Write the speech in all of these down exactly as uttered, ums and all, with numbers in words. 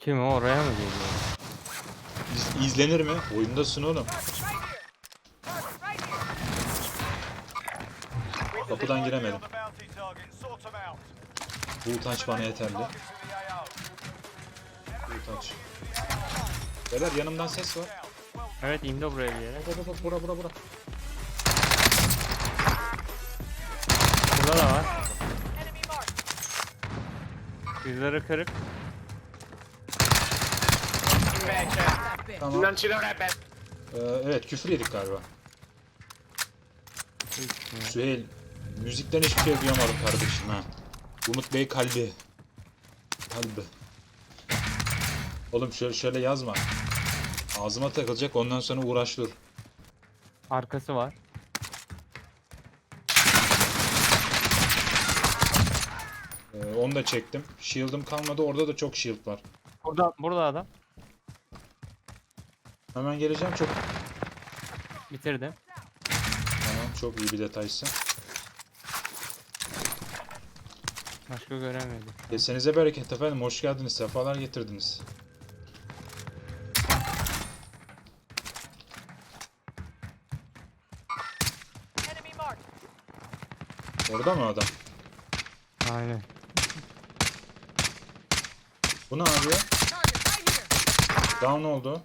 Kim o, oraya mı geliyor? İz, izlenir mi? Oyundasın oğlum. Kapıdan giremedim. Bu utanç bana yeterli. Bu utanç. Beyler yanımdan ses var. Evet, indi buraya bir yere. Bak bak bak, bura bura bura. Burada da var. Yüzleri kırık. Tamam. Ee, evet, küfür yedik galiba. Süheyl, müzikten hiçbir şey duyamadım kardeşim ha. Umut Bey kalbi. Kalbi. Oğlum şöyle, şöyle yazma. Ağzıma takılacak, ondan sonra uğraş dur. Arkası var. Ee, onu da çektim. Shield'ım kalmadı, orada da çok shield var. Burada, burada adam. Hemen geleceğim, çok... Bitirdim. Tamam, çok iyi bir detaysın. Başka göremedim. Kesenize bereket efendim, hoş geldiniz, sefalar getirdiniz. Orada mı adam? Aynen. Bu ne yapıyor? Down oldu.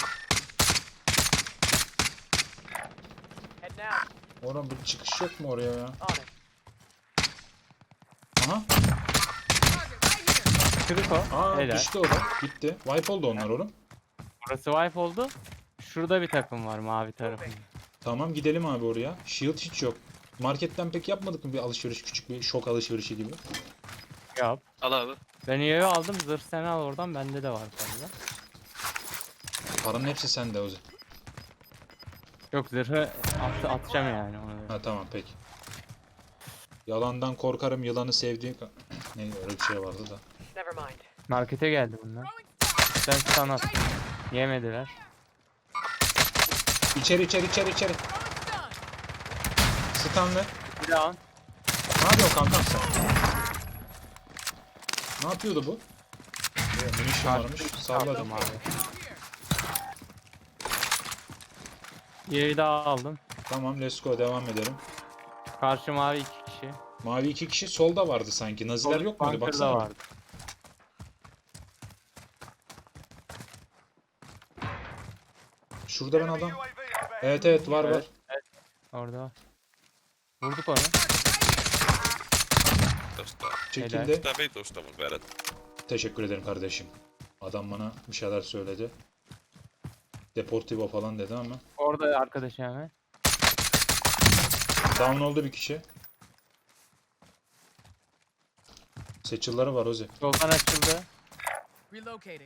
Orada bir çıkış yok mu oraya ya? Aha. Kırık o. Aa, Helal. düştü o da. Bitti. Wipe oldu onlar oğlum. Burası wipe oldu. Şurada bir takım var mavi tarafında. Tamam, gidelim abi oraya. Shield hiç yok. Marketten pek yapmadık mı bir alışveriş, küçük bir şok alışverişi gibi? Yap. Al abi. Ben üyeyi aldım. Zırh sen al oradan. Bende de var fazla. Paranın hepsi sende o zaman. Yok, zırhı at atacağım yani onu. Ha tamam, peki. Yalandan korkarım, yılanı sevdiğim... Ne öyle bir şey vardı da. Markete geldi bunlar. Sen sana at. Yemediler. İçeri içeri içeri içeri. Stanley. Bir daha. Ne yapıyorsun kankam sen? Ne yapıyordu bu? Evet, munition varmış. Salladım. abi. Yeri daha aldım. Tamam, let's go, devam edelim. Karşı mavi iki kişi. Mavi iki kişi solda vardı sanki. Naziler yok muydu? Bunker'da Baksana. vardı. Şurada ben adam. Evet evet, var var. Evet. Orada. Vurduk onu. Tosta. Çekildi. Tää vitusta mun vedät. Teşekkür ederim kardeşim. Adam bana bir şeyler söyledi. Deportivo falan dedi ama. Orada arkadaşı hemen. Down oldu bir kişi. Seçilleri var Ozi. Yoldan açıldı. Relocating.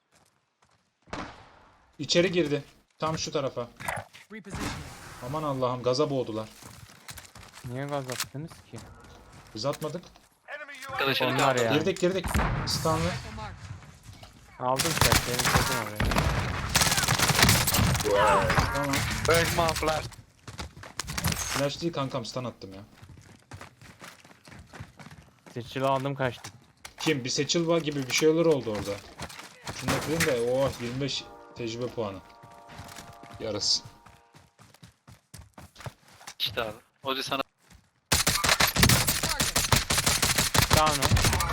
İçeri girdi. Tam şu tarafa. Repositioning. Aman Allah'ım, gaza boğdular. Niye gaz attınız ki? Biz atmadık. Arkadaşını Onlar kaldı. ya. Girdik girdik. Stanley. Rifle mark. Aldım sen. Seni koydum oraya. Tamam. Bergman flash. Flash değil kankam, stun attım ya. Seçili aldım kaçtım. Kim? Bir seçilva gibi bir şeyler oldu orada. Şunu da kırayım da oh, yirmi beş tecrübe puanı. Yarısı. İşte abi. Ozi sana Down o.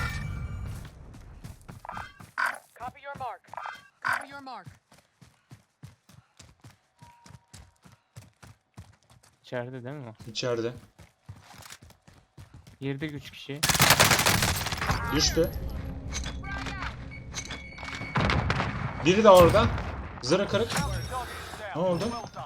Copy your mark. Copy your mark. İçeride değil mi o? İçeride. Girdik üç kişi. Düştü. Biri de orada. Zırhı kırık. Ne oldu?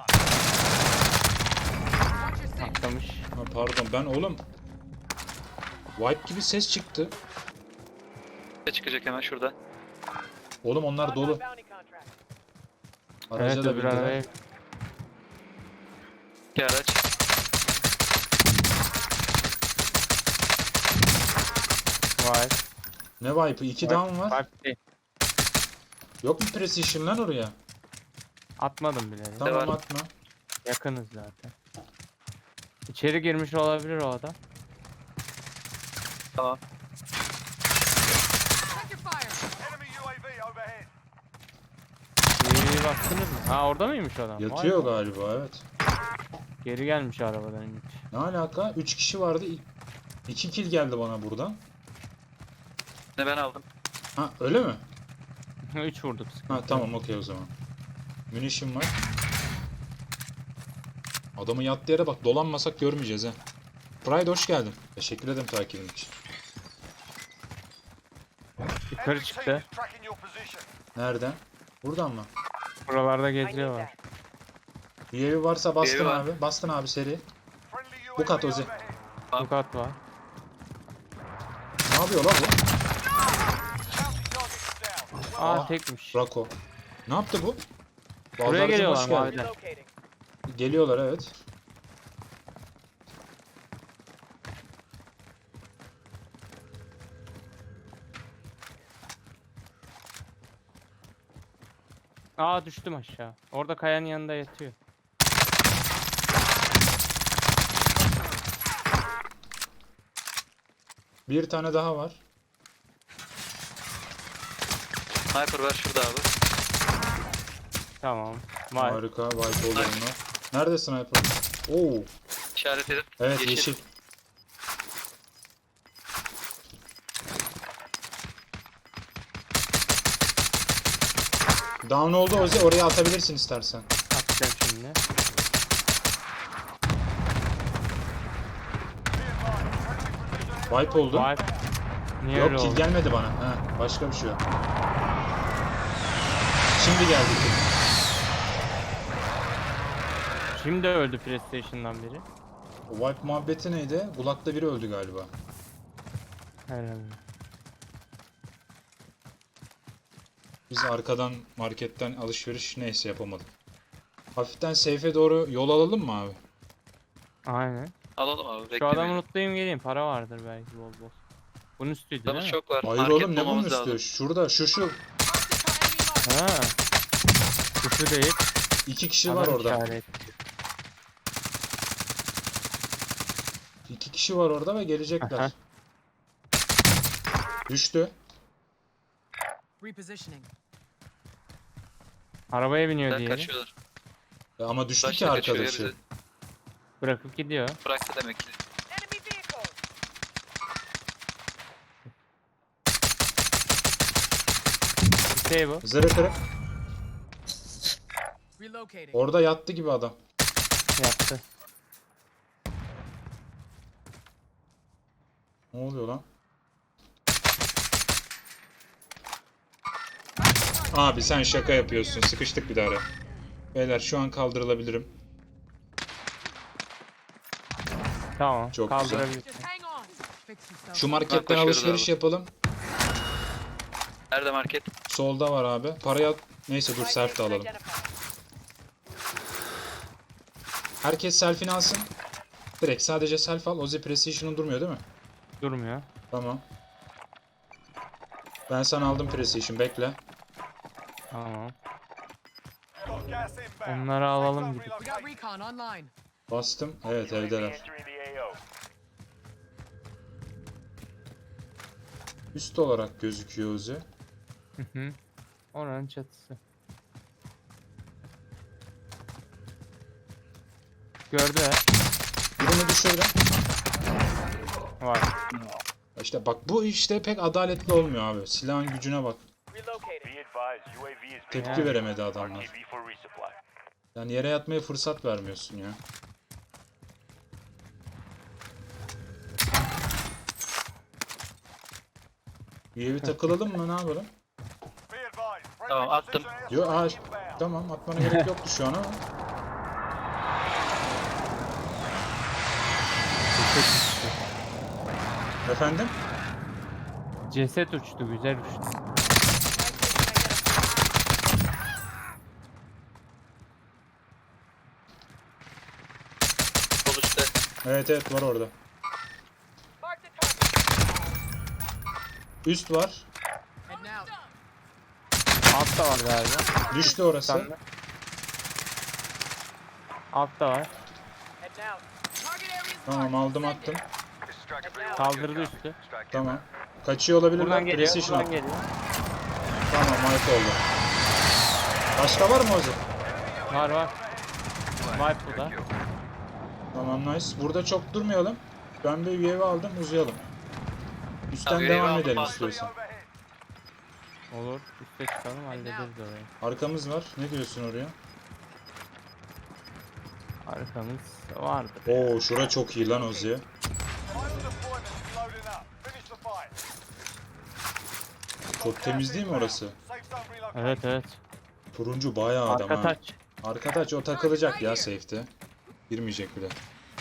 Atlamış. Ha, pardon, ben oğlum. Wipe gibi ses çıktı. çıkacak hemen şurada. Oğlum onlar dolu. Araca Evet, da öbür bindiler. arabaya. İki araç. Vay. Ne wipe'ı? İki down var. Wipe değil. Yok mu precision lan oraya? Atmadım bile. Tamam, var. atma. Yakınız zaten. İçeri girmiş olabilir o adam. Tamam. Check your fire. Geriye baktınız mı? Ha orada mıymış adam? Vay Yatıyor be. galiba, evet. Geri gelmiş arabadan inmiş. Ne alaka? üç kişi vardı. iki kill geldi bana buradan. Ne ben aldım. Ha öyle mi? üç vurduk. sıkıntı Ha yok. tamam, okey o zaman. Munition var. Adamın yattığı yere bak, dolanmasak görmeyeceğiz ha. Pride hoş geldin. Teşekkür ederim takibin için. Yukarı çıktı. Nereden? Buradan mı? Buralarda I need geziyorlar. that. U A V varsa bastın U A V var. abi. Bastın abi seri. Bu kat Ozi. Bu kat var. Ne yapıyor lan bu? Aa Aa. tekmiş. Rako. Ne yaptı bu? Buraya Baldarcığım, geliyorlar hoş geldin. maviden. Relocating. Geliyorlar, evet. Aa düştüm aşağı. Orada kayanın yanında yatıyor. Bir tane daha var. Sniper var şurada abi. Tamam. Var. Harika. White oldu onlar. Nerede sniper? Oo. İşaret edip. Evet, Yeşil. yeşil. Down oldu Ozi. Oraya atabilirsin istersen. Atacağım şimdi. Wipe oldu. Var. Niye öyle Yok, kill oldu? gelmedi bana. Ha, başka bir şey yok. Şimdi geldi kill. Şimdi öldü PlayStation'dan biri. O wipe muhabbeti neydi? Kulakta biri öldü galiba. Herhalde. Biz arkadan marketten alışveriş neyse yapamadık. Hafiften safe'e doğru yol alalım mı abi? Aynen. Alalım abi. Şu Beklemeyin. adamı unutlayayım geleyim. Para vardır belki bol bol. Bunun üstüydü Adamız değil mi? çok var. Hayır Market oğlum, ne bunun bulmamız üstü? lazım. Şurada, şu şu. Mark the enemy mark. Ha. Küfür değil. İki kişi var Adam orada. işaret. İki kişi var orada ve gelecekler. Aha. Düştü. Repositioning. Arabaya biniyor Ben diğeri. kaçıyorlar. Ya ama düştü ki Başta kaçıyor ya arkadaşı. bizi. Bırakıp gidiyor. Bıraktı demek ki. Enemy vehicle. Bir şey bu. Zırı kırık. Relocating. Orada yattı gibi adam. Yaptı. Ne oluyor lan? Abi sen şaka yapıyorsun. Sıkıştık bir daha ara. Beyler şu an kaldırılabilirim. Tamam. Çok Kaldırabilirsin. Just hang on. Fix yourself. Şu marketten koşuyoruz alışveriş abi. yapalım. Nerede market? Solda var abi. Parayı at. Neyse dur, selfie de alalım. Identified. Herkes selfie'ni alsın. Direkt sadece selfie al. Ozi Precision'un durmuyor değil mi? Durmuyor. Tamam. Ben sana aldım Precision. Bekle. Tamam. Onları alalım gidip. We got recon online. Bastım. Evet, evdeler. Üst olarak gözüküyor Ozi. Hı hı. Oranın çatısı. Gördüler. Birini düşürdüm. Var. İşte bak, bu işte pek adaletli olmuyor abi. Silahın gücüne bak. Relocating. Tepki Yani. veremedi adamlar. Yani yere yatmaya fırsat vermiyorsun ya. U A V takılalım mı, ne yapalım? Tamam, attım. Yo, aa, tamam, atmana gerek yoktu şu an ama. Ceset uçtu. Efendim? Ceset uçtu. Güzel uçtu. Sol üstte. Evet evet, var orada. Mark the target. Üst var. Heading out. Altta var galiba. Düştü orası. Sen de. Altta var. Heading out. Target areas Tamam, marked. aldım attım. Kaldırdı üstü. Tamam. Kaçıyor olabilirler. Buradan geliyor. Precision Buradan at. geliyor. Tamam, wipe oldu. Başka var mı Ozi? Var var. Wipe bu da. Tamam, nice. Burada çok durmayalım. Ben bir U A V aldım, uzayalım. Üstten Tabii, devam U A V aldım, edelim bastım. istiyorsan. Olur. Üste çıkalım hallederiz orayı. Arkamız var. Ne diyorsun oraya? Arkamız vardır. Oo, şura çok iyi lan Ozi. Çok temiz değil mi orası? Evet evet. Turuncu bayağı adam Arka ha. taç. Arka taç o takılacak ya safe'te. Girmeyecek bile.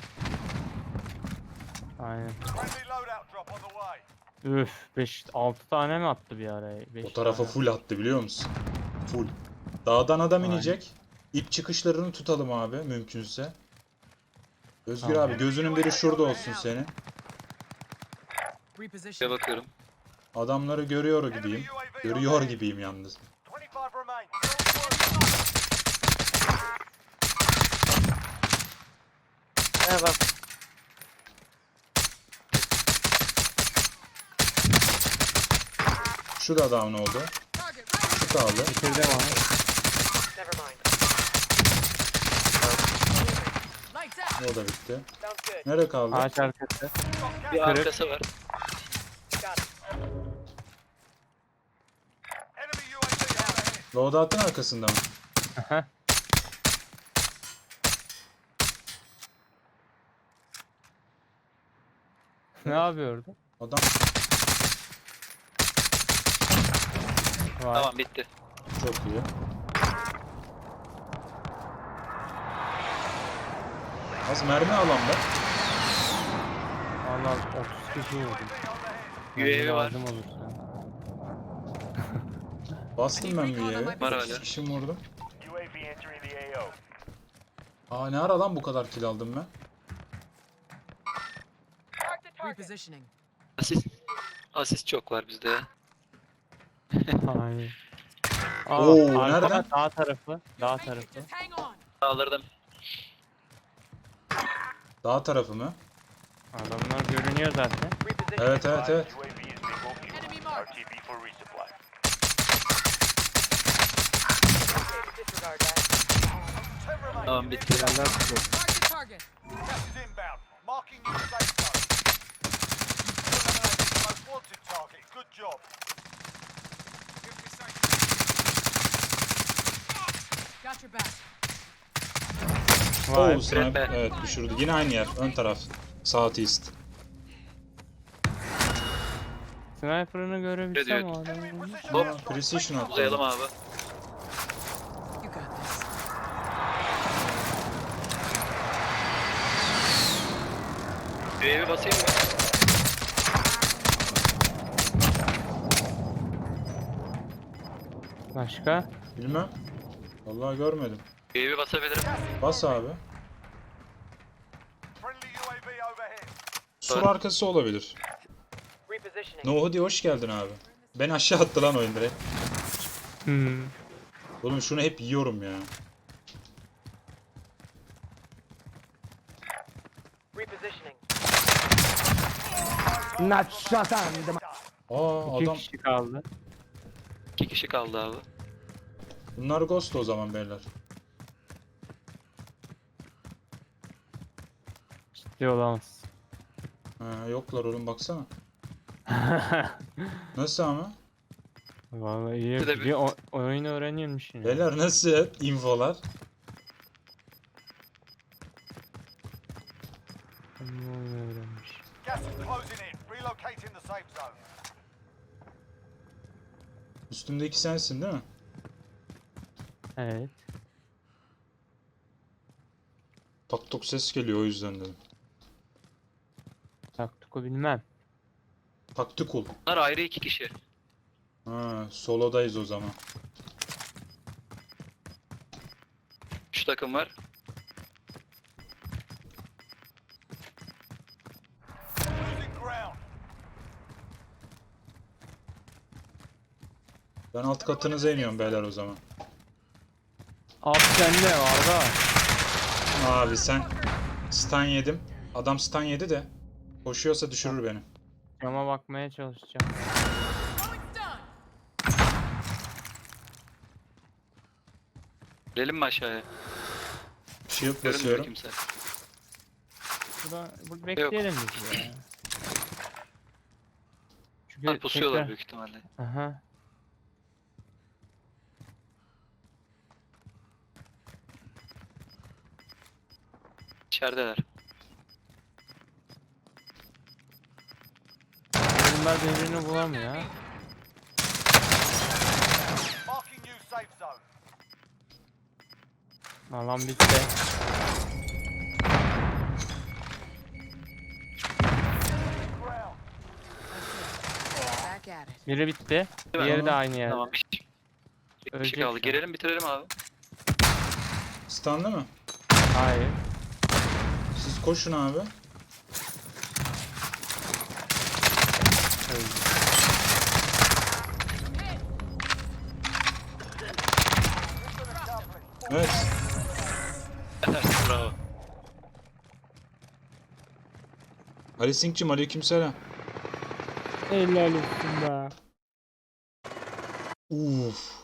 Aynen. Üf. beş altı tane mi attı bir araya? beş O tarafa tane. full attı biliyor musun? Full. Dağdan adam Aynen. inecek. İp çıkışlarını tutalım abi mümkünse. Özgür Tamam. abi gözünün biri şurada olsun senin. Şuraya Reposition. bakıyorum. Adamları görüyor gibiyim. Görüyor gibiyim yalnız. Ne bak. Şu da down oldu. Target right. Şu kaldı. Bitirdim abi. Never mind. Lights out. O da bitti. Sounds good. Nereye kaldı? Ağaç arkası. Bir Kırık. arkası var. Got it. Loadout'un arkasında mı? Aha. Ne yapıyordu? Adam Var. Tamam bitti. çok iyi. Az mermi alan da. Valla otuz kişi vurdum. U A V var. Lazım olursa. Bastım ben bir yere. Var hala. Kişim vurdum. Aa, ne ara lan bu kadar kill aldım ben? Mark the target. Repositioning. Asist. Asist çok var bizde ya. Aynen. Aa, Oo, arka nereden? Dağ tarafı. Dağ tarafı. Just hang on. Sağlardan. Dağ tarafı mı? Adamlar görünüyor zaten. Repositioning. Evet evet evet. Enemy mark. Okay, disregard that. Tamam bitti. Yerler tutuyor. Mark the target. Got your back. Vay. Oo, sniper. Be. Evet, düşürdü. Yine aynı yer. Ön taraf. South east. Sniper'ını görebilsem Ne o adamı. Hop. Precision attı. Uzayalım abi. You got this. U A V basayım mı? Başka? Bilmem. Vallahi görmedim. U A V basabilirim. Bas abi. Sur arkası olabilir. Repositioning. No Hoodie hoş geldin abi. Ben aşağı attı lan oyun direkt. Hmm. Oğlum şunu hep yiyorum ya. Repositioning. Aa, İki adam. kişi kaldı. İki kişi kaldı abi. Bunlar Ghost o zaman beyler. Ciddi olamaz. Ha, yoklar oğlum baksana. Nasıl ama? Vallahi iyi. Bir de bir- Bir o- oyunu öğreniyormuş yine. Beyler nasıl infolar? Oyunu öğrenmiş. Üstümdeki sensin değil mi? Evet. Tak tok ses geliyor o yüzden dedim. Taktuku bilmem. Taktikul. Bunlar ayrı iki kişi. Ha, solodayız o zaman. Şu takım var. Ben alt katınıza iniyorum beyler o zaman. Abi sende Arda. Abi sen stun yedim. Adam stun yedi de koşuyorsa düşürür beni. Cama bakmaya çalışacağım. Oh, it's done. Gelelim mi aşağıya? Shield Görünmüyor basıyorum. kimse. Burada, burada bekleyelim biz ya. Çünkü Ha, pusuyorlar tekrar... büyük ihtimalle. Aha. İçerideler. Bunlar birbirini bulamıyor. Marking new safe zone. Alan bitti. Ground. Back at it. Biri bitti. Değil mi? Diğeri de aynı yerde. Tamam bir kişi, bir kişi Ölecek kaldı. şu an. Gelelim bitirelim abi. Stun'lı mı? Hayır. Siz koşun abi. Öldü. Evet. Bravo. Ali Sink'cim aleykümselam. Helal olsun be. Uf.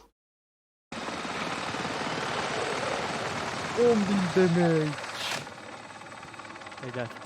on bin demek. Helal.